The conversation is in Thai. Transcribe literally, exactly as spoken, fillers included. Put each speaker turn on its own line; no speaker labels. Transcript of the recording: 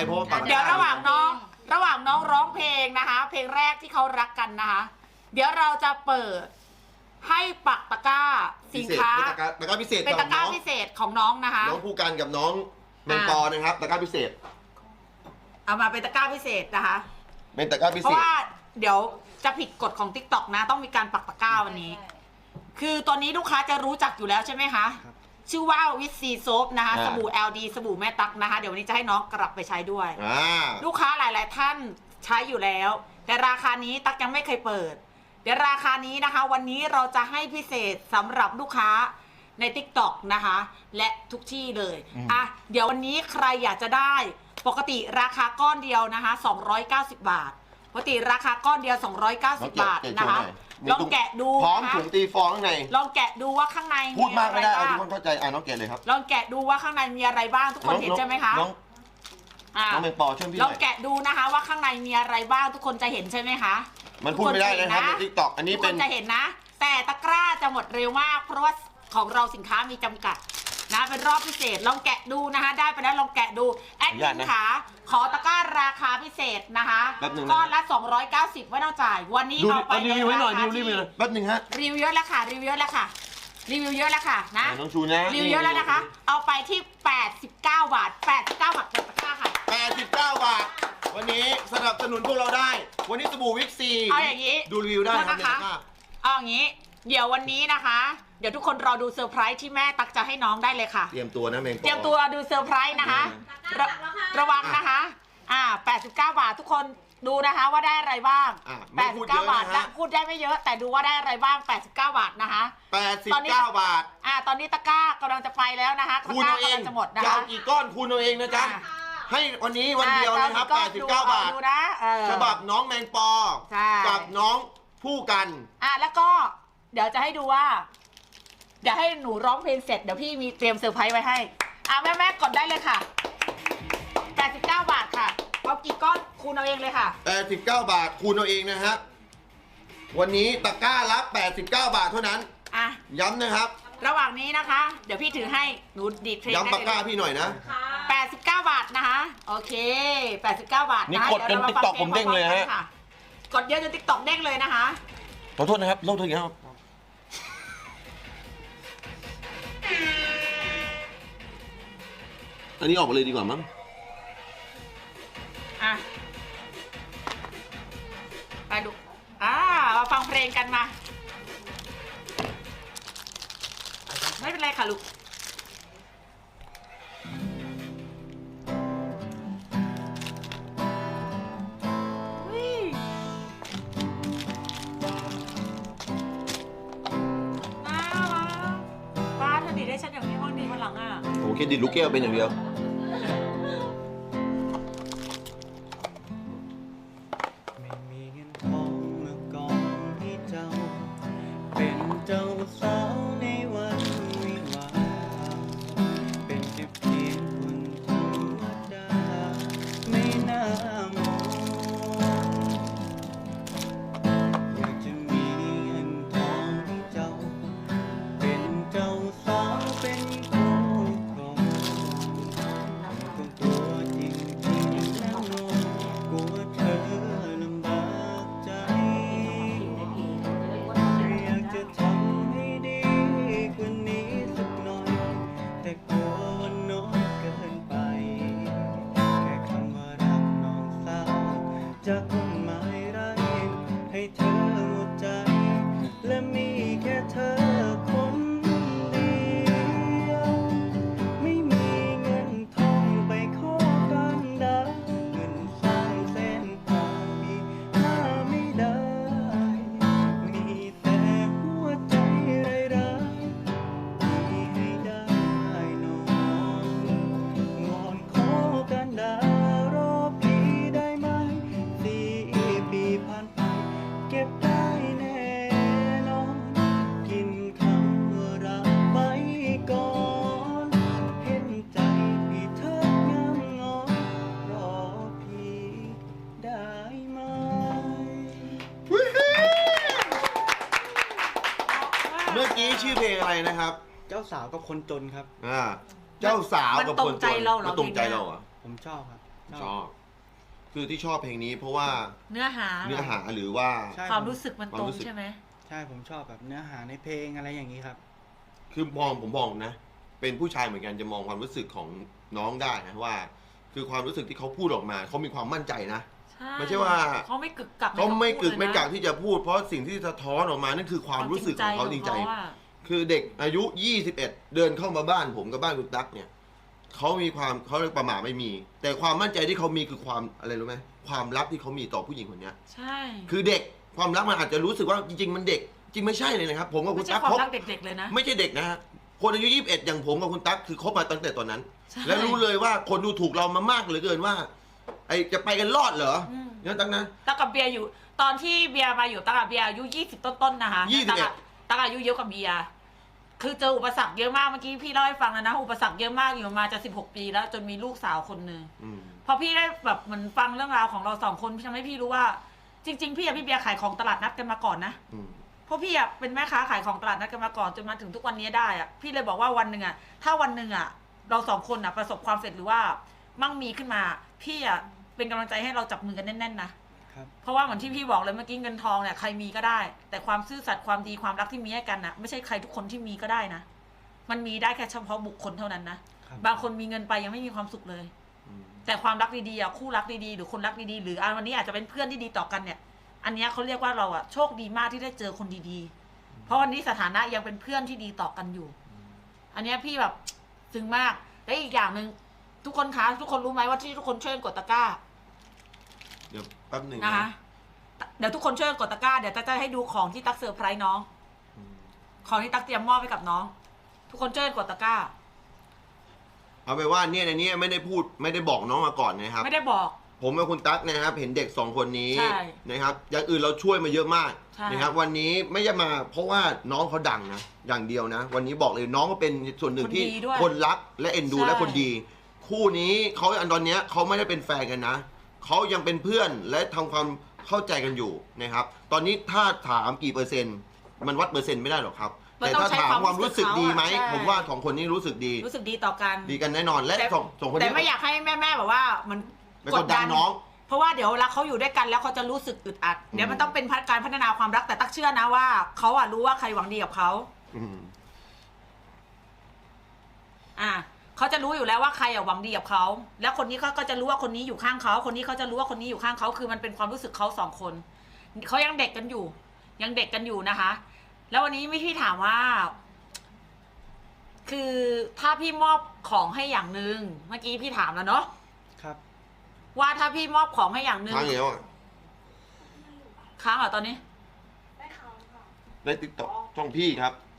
เพราะว่าปักตะกร้า
เดี๋ยวระหว่างน้องระหว่างน้องร้องเพลงนะคะ เพลงแรกที่เขารักกันนะคะ เดี๋ยวเราจะเปิดให้ปักตะกร้าสินค้า
ตะกร้าพิเศษ
เป็นตะกร้าพิเศษของน้องนะคะ
น้องผู้กันกับน้องแมงปอนะครับตะกร้าพิเศษ
เอามาเป็นตะกร้าพิเศษนะคะ
เป็นตะกร้าพิ
เพ
เศษ
ราะว่าเดี๋ยวจะผิดกฎของ ติ๊กต็อก นะต้องมีการปักตะกร้าวันนี้ คือตอนนี้ลูกค้าจะรู้จักอยู่แล้วใช่ไหมคะชื่อว่าวิตซีโซฟนะคะสบู่ แอล ดี สบู่แม่ตั๊กนะคะเดี๋ยววันนี้จะให้น้องกลับไปใช้ด้วยลูกค้าหลายๆท่านใช้อยู่แล้วแต่ราคานี้ตั๊กยังไม่เคยเปิดเดี๋ยวราคานี้นะคะวันนี้เราจะให้พิเศษสำหรับลูกค้าใน ติ๊กต็อก นะคะและทุกที่เลยอ่ะเดี๋ยววันนี้ใครอยากจะได้ปกติราคาก้อนเดียวนะคะสองร้อยเก้าสิบบาทปกติราคาก้อนเดียวสองร้อยเก้าสิบบาทนะคะลองแกะดู
พร้อมถุงตีฟองข้างใน
ลองแกะดูว่าข้างใน
พูดมากไม่ได้เอาทุกคนเข้าใจอ่ะน้องแกะเลยครับ
ลองแกะดูว่าข้างในมีอะไรบ้างทุกคนเห็นใช่ไหมคะ
น้องน้องแมงปอช่วยพี่ห
ล
น่
อ
อง ย
แกะดูนะคะว่าข้างในมีอะไรบ้างทุกคนจะเห็นใช่ไหมคะ
มันพูดไม่ได้นะครับในทิกตอกอันนี้
ทุก
เป็
คน นจะเห็นนะ แต่ตะกร้าจะหมดเร็วมากเพราะว่าของเราสินค้ามีจำกัดนะเป็นรอบพิเศษลองแกะดูนะคะได้ไปแล้วลองแกะดูแอดมินขาขอตะกร้าราคาพิเศษนะคะก้อนละสองร้อยเก้าสิบไม่ต้องจ่ายวันนี้เอาไปในราคาที่
แป๊บนึงฮะ
รีวิวเยอะแล้วค่ะรีวิวเยอะแล้วค่ะรีวิวเยอะแล้วค่ะนะ
น้องชูนะ
รีวิวเยอะแล้วนะคะเอาไปที่แปดสิบเก้าบาทแปดสิบเก้าบาทตะกร้าค่ะ
แปดสิบเก้าบาทวันนี้สนับสนุนพวกเราได้วันนี้สบู่วิกซี
เอาอย่างนี้
ดูรีวิวได้นะครับ
เอาอย่างนี้เดี๋ยววันนี้นะคะเดี๋ยวทุกคนรอดูเซอร์ไพรส์ที่แม่ตักจะให้น้องได้เลยค่ะ
เตรียมตัวนะแมงปอ
เตรียมตัวดูเซอร์ไพรส์นะคะระระวังนะคะอ่าแปดสิบเก้าบาททุกคนดูนะคะว่าได้อะไรบ้างแปดสิบเก้าบาทและพูดได้ไม่เยอะแต่ดูว่าได้อะไรบ้างแปดสิบเก้าบาทนะคะ
แปดสิบเก้าบาท
อ่าตอนนี้ตะกร้ากำลังจะไปแล้วนะคะ
คูณเอาเอง
จะหมดนะคะ
จะเอากี่ก้อนคูณเอาเองนะจ๊ะให้วันนี้วันเดียวนะครับแปดสิบเก้าบาทฉบับน้องแมงปอกับน้องผู้กัน
อ่าแล้วก็เดี๋ยวจะให้ดูว่าเดี๋ยวให้หนูร้องเพลงเสร็จเดี๋ยวพี่มีเตรียมเซอร์ไพรส์ไว้ให้อ่าแม่แม่กดได้เลยค่ะแปดสิบเก้าบาทค่ะเอากี่ก้อนคูณเอาเองเลยค่ะ
แปดสิบเก้าบาทคูณเอาเองนะฮะวันนี้ตะกร้าละแปดสิบเก้าบาทเท่านั้น
อ่ะ
ย้ำนะครับ
ระหว่างนี้นะคะเดี๋ยวพี่ถือให้หนูดีดเพลง
ย้ำตะกร้าพี่หน่อยนะ
แปดสิบเก้าบาทนะคะโอเคแปดสิบเก้าบาท
นี่กดจนติ๊กต็อกผมเด้งเลยฮะ
กดเยอะจนติ๊กต็อกเด้งเลยนะคะ
ขอโทษนะครับโทษทีครับอันนี้ออกมาเลยดีกว่ามั้ง
อ่ะไปดูอ่ามาฟังเพลงกันมาไม่เป็นไรค่ะลูกป้าเธอดีได้ฉันอย่างนี้บ้างดีวันหลังอ่ะ
โอเคดิลูกแก้วเป็นอย่างเดียว
จะคงไม่รักให้เธอหมดใจและมีแค่เธอคนเดียวไม่มีเงินทองไปขอกันดาเงินสร้างเส้นทางมีหาไม่ได้มีแต่หัวใจไร้ๆที่ให้ได้น้องงอนขอกันดารอพี่ได้ไหมปีผ่านไปเก็บได้แน่นอนกินคำว่ารักไปก่อนเห็นใจพี่เธองามงอนรอพี่ได้ไหม
เมื่อกี้ชื่อเพลงอะไรนะครับ
เจ้าสาวกับคนจนครับ
อ่าเจ้าสาวกับคนจนมาตรงใจเราเหรอ
ผมชอบครับ
ชอบ คือที่ชอบเพลงนี้เพราะว่า
เนื้อหา
เนื้อหาหรือว่า
ใช่
ความรู้สึกมัน
ความ
ตรง
รู้สึก
ใช่ไหม
ใช่ผมชอบแบบเนื้อหาในเพลงอะไรอย่างนี้ครับ
คือมองผมมองนะ เป็นผู้ชายเหมือนกันจะมองความรู้สึกของน้องได้นะว่า คือความรู้สึกที่เขาพูดออกมาเขามีความมั่นใจนะ
ใช่
ไม่ใช่ว่า
เขาไม่กึกกัก
เขาไม่กึก
ใน
ไม่
คำพูดเลยนะ
กักที่จะพูด เพราะสิ่งที่สะท้อนออกมานั่นคือความรู้สึกของเขาจริงใจ
ของเขาอะ
คือเด็กอายุ ยี่สิบเอ็ด เดินเข้ามาบ้านผมกับบ้านคุณตั๊กเนี่ยเขามีความเขาเรียกประมาทไม่มี แต่ความมั่นใจที่เขามีคือความอะไรรู้ไหมความรักที่เขามีต่อผู้หญิงคนเนี้ย
ใช่
คือเด็กความรักมันอาจจะรู้สึกว่าจริงๆมันเด็ก จริงไม่ใช่เลยนะครับ ผมกับคุ
ไม่
ณ
ใช่
ตั๊ก
ความ
คบ
รักเด็กๆเลยนะ
ไม่ใช่เด็กนะฮะคนอายุยี่สิบเอ็ดอย่างผมกับคุณตั๊กคือคบมาตั้งแต่ตอนนั้น
ใช่
และรู้เลยว่าคนดูถูกเรามามากเหลือเกินว่า ไอจะไปกันรอดเหรอ
อืม
เนี่ยตั้งนะ
ตักกับเบียร์อยู่ตอนที่เบียร์มาอยู่ตักกับเบียร์อายุยี่สิบต้นๆนะคะ
ยี่สิบ
ตัก
เอ็ด
อะตักอายุเยอะกว่าเบียร์คือเจออุปสรรคเยอะมากเมื่อกี้พี่เล่าให้ฟังแล้วนะอุปสรรคเยอะมากอยู่มาจะสิบหกปีแล้วจนมีลูกสาวคนหนึ่ง
อืม
พอพี่ได้แบบเหมือนฟังเรื่องราวของเราสองคนพี่ทำให้พี่รู้ว่า จริง ๆ พี่กับพี่เบียร์ขายของตลาดนัดกันมาก่อนนะ
อืม
เพราะพี่อะเป็นแม่ค้าขายของตลาดนัดกันมาก่อนจนมาถึงทุกวันนี้ได้อะพี่เลยบอกว่าวันหนึ่งอะถ้าวันหนึ่งอะเราสองคนอะประสบความสำเร็จหรือว่ามั่งมีขึ้นมา พี่อะเป็นกำลังใจให้เราจับมือกันแน่นๆนะครับ เพราะว่าเหมือนที่พี่บอกเลยเมื่อกี้เงินทองเนี่ยใครมีก็ได้ แต่ความซื่อสัตย์ความดีความรักที่มีให้กันนะไม่ใช่ใครทุกคนที่มีก็ได้นะมันมีได้แค่เฉพาะบุคคลเท่านั้นนะครับ บางคนมีเงินไปยังไม่มีความสุขเลย
อืม
แต่ความรักดีๆอะคู่รักดีๆหรือคนรักดีๆหรืออ่ะวันนี้อาจจะเป็นเพื่อนที่ดีต่อกันเนี่ย อันเนี้ยเขาเรียกว่าเราอะโชคดีมากที่ได้เจอคนดีๆ เพราะวันนี้สถานะยังเป็นเพื่อนที่ดีต่อกันอยู่ อันเนี้ยพี่แบบซึ้งมากและอีกอย่างหนึ่งทุกคนคะทุกคนรู้ไหมว่าที่ทุกคนช่วยกันกดตะกร้า
เดี๋ยวแป๊บหนึ่ง
นะคะ
นะ
เดี๋ยวทุกคนช่วยกันกดตะกร้าเดี๋ยวจะจะให้ดูของที่ตักเซอร์ไพรส์น้อง
อืม
ของที่ตักเตรียมมอบให้กับน้อง ทุกคนช่วยกันกดตะกร้า
เอาไปนว่าเนี่ยในนี้ไม่ได้พูดไม่ได้บอกน้องมาก่อนนะครับ
ไม่ได้บอก
ผมกับคุณตั๊กนะครับเห็นเด็กสองคนนี้
ใช่
นะครับอย่างอื่นเราช่วยมาเยอะมาก
ใช่
นะครับวันนี้ไม่ได้มาเพราะว่าน้องเขาดังนะอย่างเดียวนะ วันนี้บอกเลยน้องก็เป็นส่วนหนึ่งที่
คนดีด้วย
คนรักและเอ็นดู
ใช่
และคนดี คู่นี้เขาอันตอนเนี้ยเขาไม่ได้เป็นแฟนกันนะเขายังเป็นเพื่อนและทำความเข้าใจกันอยู่นะครับ ตอนนี้ถ้าถามกี่เปอร์เซ็นต์ มันวัดเปอร์เซ็นต์ไม่ได้หรอกครับ
มัน
แต่
ต้อง
ถ้า
ใช้
ถาม
ความ
ความรู้สึกดีไหม
ใช่
ผมว่าสองคนนี้รู้สึกดี
รู้สึกดีต่อกัน
ดีกันแน่นอนและ
แต่
สองสองคน
แต่
นี้
ไม่อยากให้แม่ๆแบบว่ามัน
ไปกดดันน้อง
เพราะว่าเดี๋ยวเวลาเขาอยู่ด้วยกันแล้วเขาจะรู้สึกอึดอัด เดี๋ยวมันต้องเป็นการพัฒนาความรักแต่ตักเชื่อนะว่าเขาอะรู้ว่าใครหวังดีกับเขา
อืม
อ่าเขาจะรู้อยู่แล้วว่าใครอะหวังดีกับเขาแล้วคนนี้เขาก็จะรู้ว่าคนนี้อยู่ข้างเขาคนนี้เขาจะรู้ว่าคนนี้อยู่ข้างเขาคือมันเป็นความรู้สึกเขาสองคนเขายังเด็กกันอยู่ ยังเด็กกันอยู่นะคะ แล้ววันนี้ไม่พี่ถามว่า คือถ้าพี่มอบของให้อย่างหนึ่งเมื่อกี้พี่ถามแล้วเนาะ
ครับ
ว่าถ้าพี่มอบของให้อย่างหนึ่ง
ค้างแล้วอ่ะ
ค้างเหรอตอนนี้
ได้ติ๊กต็อกช่องพี่ครับ